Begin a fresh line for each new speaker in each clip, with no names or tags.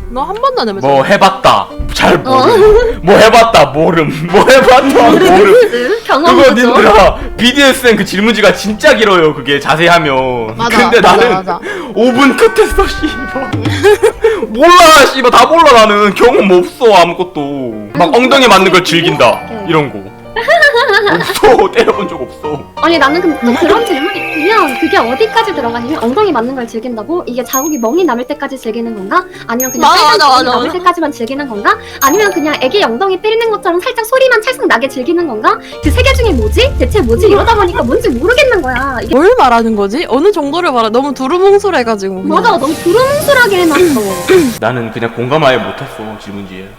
너 한 번도 안 해봤어?
뭐 해봤다 잘 모름 뭐 해봤다 모름 뭐 해봤다 모름
경험
그거
부족.
님들아 BDSM 그 질문지가 진짜 길어요 그게 자세히 하면.
맞아,
근데
맞아,
나는
맞아.
5분 끝했어 씨발. 몰라 씨발 다 몰라 나는 경험 없어 아무것도. 막 엉덩이 맞는 걸 즐긴다 이런 거 없어. 때려본 적 없어.
아니 나는 근데 또 그런 질문이 있으면 그게 어디까지 들어가냐면 엉덩이 맞는 걸 즐긴다고? 이게 자국이 멍이 남을 때까지 즐기는 건가? 아니면 그냥
맞아,
살짝
맞아,
자국이
맞아,
남을
맞아.
때까지만 즐기는 건가? 아니면 그냥 애기 엉덩이 때리는 것처럼 살짝 소리만 찰싹 나게 즐기는 건가? 그 세 개 중에 뭐지? 대체 뭐지? 이러다 보니까 뭔지 모르겠는 거야. 이게
뭘 말하는 거지? 어느 정도를 말해? 너무 두루뭉술해가지고. 그냥.
맞아 너무 두루뭉술하게 해놨어.
나는 그냥 공감 아예 못했어 질문지에.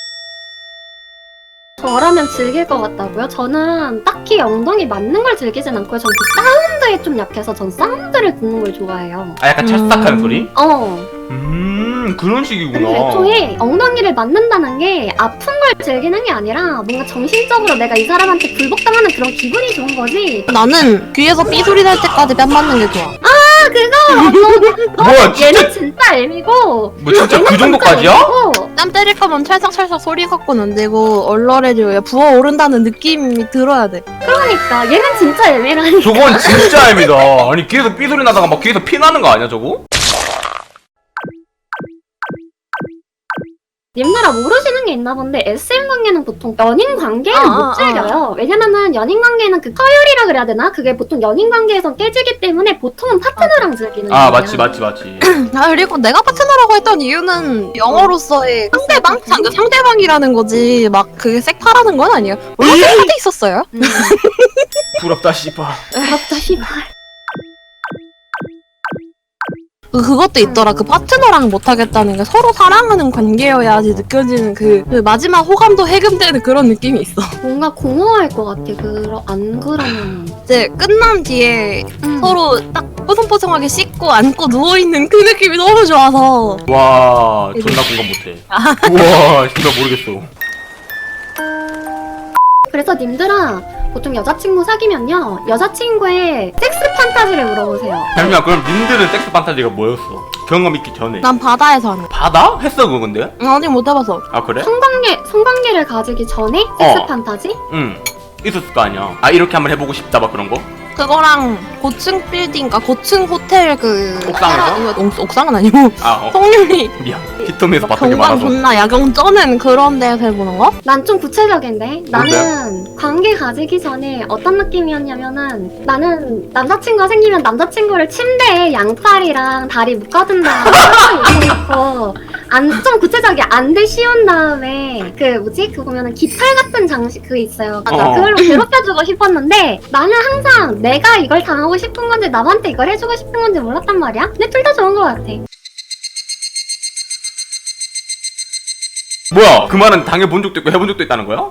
저라면 즐길 것 같다고요? 저는 딱히 엉덩이 맞는 걸 즐기진 않고요. 전 그 사운드에 좀 약해서 전 사운드를 듣는 걸 좋아해요.
아 약간 찰싹한 소리? 그런 식이구나.
근데 애초에 엉덩이를 맞는다는 게 아픈 걸 즐기는 게 아니라 뭔가 정신적으로 내가 이 사람한테 불복당하는 그런 기분이 좋은 거지.
나는 귀에서 삐소리 날 때까지 뺨 맞는 게 좋아.
아 그거
뭐야 진짜
얘는 진짜 애미고
뭐 진짜 그
얘는
정도까지야?
진짜 애미고.
땀 때릴 거면 찰싹찰싹 소리 갖고는 안 되고 얼얼해져야 부어오른다는 느낌이 들어야 돼.
그러니까 얘는 진짜 애미라니.
저건 진짜 애미다. 아니 귀에서 삐소리 나다가 막 귀에서 피 나는 거 아니야 저거?
님들아 모르시는 게 있나 본데 SM 관계는 보통 연인 관계는
아,
못
아,
즐겨요. 왜냐면은 연인 관계는 그 서열이라 그래야 되나? 그게 보통 연인 관계에선 깨지기 때문에 보통은 파트너랑 즐기는
아
거야.
맞지.
아 그리고 내가 파트너라고 했던 이유는 영어로서의 상대방이라는 거지 막 그게 섹파라는 건 아니에요. 원래 섹파도 있었어요.
부럽다 씨발.
부럽다 씨발.
그것도 있더라. 그 파트너랑 못하겠다는 게 서로 사랑하는 관계여야지 느껴지는 그 마지막 호감도 해금되는 그런 느낌이 있어.
뭔가 공허할 것 같아. 안 그러면.
이제 끝난 뒤에 서로 딱 뽀송뽀송하게 씻고 안고 누워있는 그 느낌이 너무 좋아서.
와 존나 공감 못해. 우와 진짜 모르겠어.
그래서 님들아 보통 여자친구 사귀면요 여자친구의 섹스 판타지를 물어보세요.
잠시만 그럼 님들은 섹스 판타지가 뭐였어? 경험 있기 전에.
난 바다에서 하는 거.
바다? 했어 그거 근데?
아직 못 해봐서.
아 그래?
성관계를 가지기 전에 섹스 판타지?
응 있었을 거 아니야. 아 이렇게 한번 해보고 싶다 막 그런 거?
그거랑 고층 빌딩, 그러니까 고층 호텔 그
옥상에서?
옥상은 아니고
아
성률이
미안 히토미에서 봤던 게
경관
많아서.
존나 야경 쩌는 그런 데서 해보는 거?
난 좀 구체적인데 나는 관계 가지기 전에 어떤 느낌이었냐면은 나는 남자친구가 생기면 남자친구를 침대에 양팔이랑 다리 묶어둔 다음에 있고 좀 구체적이야. 안대 씌운 다음에 그 뭐지? 그 보면은 깃털 같은 장식 그 있어요.
어.
그걸로 괴롭혀주고 싶었는데 나는 항상 내가 이걸 당하고 싶은 건지 남한테 이걸 해주고 싶은 건지 몰랐단 말이야. 근데 둘 다 좋은 것 같아.
뭐야 그 말은 당해본 적도 있고 해본 적도 있다는 거야?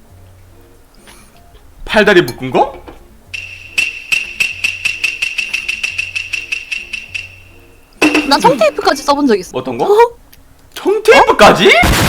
팔다리 묶은 거?
나 청테이프까지 써본 적 있어.
어떤 거? 청테이프까지?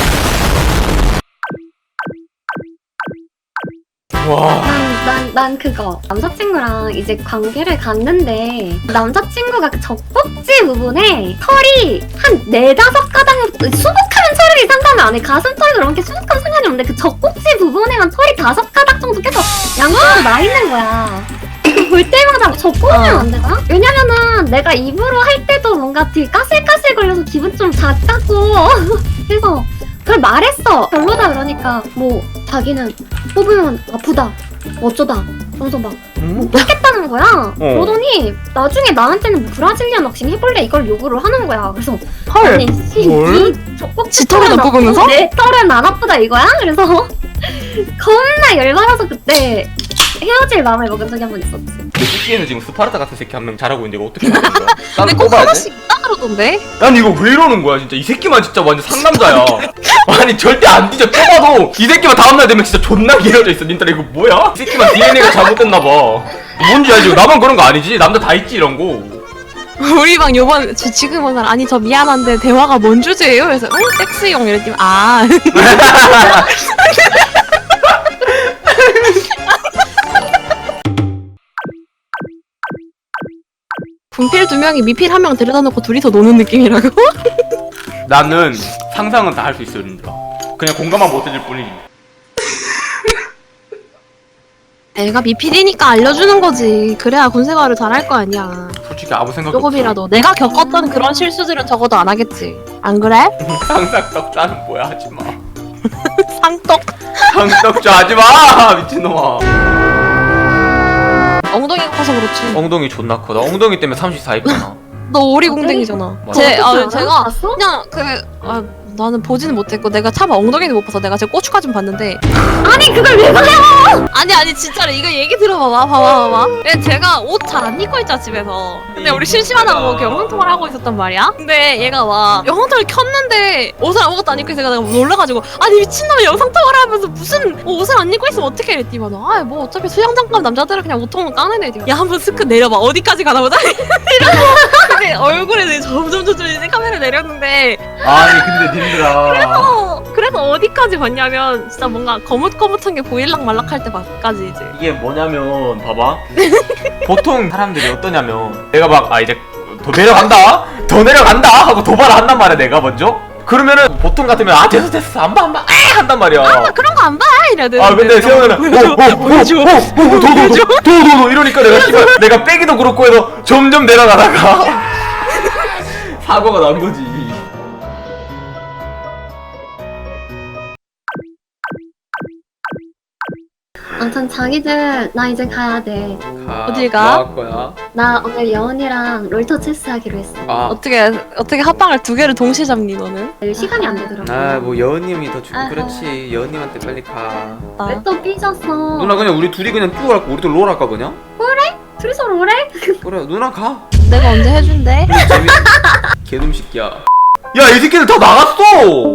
와
난 그거 남자친구랑 이제 관계를 갔는데 남자친구가 그 젖꼭지 부분에 털이 한 4-5가닥 수북하면 털이 상관이 안 해. 가슴털도 그렇게 수북하면 상관이 없는데 그 젖꼭지 부분에만 털이 5가닥 정도 계속 양쪽으로 나 있는 거야. 이거 볼 때마다 젖꼭지면 안 되나? 왜냐면은 내가 입으로 할 때도 뭔가 되게 까슬까슬 걸려서 기분 좀 작다고 그래서 그걸 말했어. 별로다 그러니까 뭐 자기는 뽑으면 아프다 어쩌다 그러면서 막 못 뽑겠다는 거야. 그러더니 나중에 나한테는 브라질리안 왁싱 해볼래 이걸 요구를 하는 거야. 그래서
헐.
아니
뭘?
이 젖꼭지
지 털은 안 뽑으면서?
내 털은 안 아프다 이거야? 그래서 겁나 열받아서 그때 헤어질 마음을 먹은 적이 한 번 있었지.
내 새끼에는 지금 스파르타 같은 새끼 한 명 잘하고 있는데 이거 어떻게 해야 되는 거야?
근데
나는
꼭
뽑아야 돼?
하나씩 있다 그러던데?
난 이거 왜 이러는 거야 진짜. 이 새끼만 진짜 완전 상남자야. 아니 절대 안 뒤져. 뽑아도 이 새끼만 다음날 되면 진짜 존나 길어져 있어. 닌따라 이거 뭐야? 이 새끼만 DNA가 잘못됐나봐. 뭔지 알지? 나만 그런 거 아니지? 남자 다 있지 이런 거.
우리 방 요번 지금 오늘 아니 저 미안한데 대화가 뭔 주제예요? 그래서 응? 섹스용 이랬더니 아 분필 2명이 미필 1명 데려다 놓고 둘이서 노는 느낌이라고?
나는 상상은 다 할 수 있어요 님들아. 그냥 공감만 못해줄 뿐이지.
애가 미필이니까 알려주는 거지. 그래야 군생활을 잘할 거 아니야.
솔직히 아무 생각이
조금이라도 내가 겪었던 그런 실수들은 적어도 안 하겠지. 안 그래?
없어. 상상떡자는 뭐야 하지마.
상떡.
상떡자 하지마 미친놈아.
엉덩이가 커서 그렇지.
엉덩이 존나 커. 나 엉덩이 때문에 34 입잖아.
너 오리궁뎅이잖아.
맞아.
제가
봤어?
그냥 나는 보지는 못했고 내가 차마 엉덩이는 못 봐서 내가 제 고추까진 봤는데.
아니 그걸 왜 봐요?
아니 진짜로 이거 얘기 들어봐봐. 봐봐. 제가 옷 잘 안 입고 있잖아 집에서. 근데 우리 심심하다고 이렇게 영상통화를 하고 있었단 말이야. 근데 얘가 막 영상통화를 켰는데 옷을 아무것도 안 입고 있으니까 내가 놀라가지고 아니 미친놈이 영상통화를 하면서 무슨 옷을 안 입고 있으면 어떻게 이랬더니 뭐 어차피 수영장 가면 남자들은 그냥 옷통은 까는 애들. 야 한번 스크 내려봐. 어디까지 가나 보자. 이러고 근데 얼굴에 점점 이제 카메라 내렸는데
아니 근데 님들아.
그래서 어디까지 봤냐면 진짜 뭔가 거뭇거뭇한 게 보일락 말락 할 때까지 이제.
이게 뭐냐면 봐봐. 보통 사람들이 어떠냐면 내가 막 이제 더 내려간다 하고 도발을 한단 말이야 내가 먼저. 그러면은 보통 같으면 됐어 안 봐 한단 말이야.
그런 거 안 봐 이러는데.
근데 세영이는 도도도 이러니까 내가 빼기도 그렇고 해서 점점 내려가다가 사고가 난 거지.
아무튼 자기들 나 이제 가야 돼.
어딜 가?
뭐 할 거야?
나 오늘 여운이랑 롤터 체스 하기로 했어.
어떻게 합방을 두 개를 동시에 잡니 너는?
시간이 안 되더라고.
뭐 여은님이 더 주고
아하.
그렇지. 여은님한테 빨리 가.
왜 또 삐졌어?
누나 그냥 우리 둘이 그냥 쭉 할까? 우리도 롤 할까 그냥?
둘이서 롤해?
그래 누나 가.
내가 언제 해준대?
개놈 새끼야. 야 이 새끼들 다 나갔어.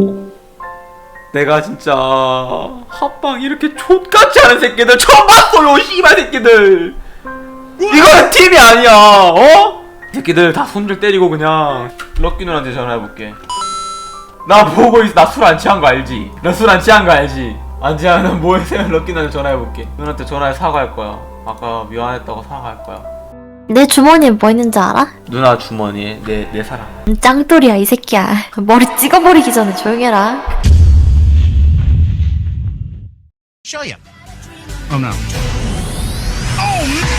내가 진짜 합방 이렇게 족같이 하는 새끼들 처음 봤어요. 씨발 새끼들. 이거는 팀이 아니야. 어? 이 새끼들 다 손질 때리고 그냥 럭키 누나한테 전화해볼게. 나 보고 있어. 나 술 안 취한 거 알지? 나 술 안 취한 거 알지? 안 취하면 뭐 해서 럭키 누나한테 전화해볼게. 누나한테 전화해 사과할 거야. 아까 미안했다고 사과할 거야.
내 주머니에 뭐 있는지 알아?
누나 주머니에 내 사랑.
짱돌이야 이 새끼야. 머리 찍어버리기 전에 조용해라.
Show you. Oh no. Oh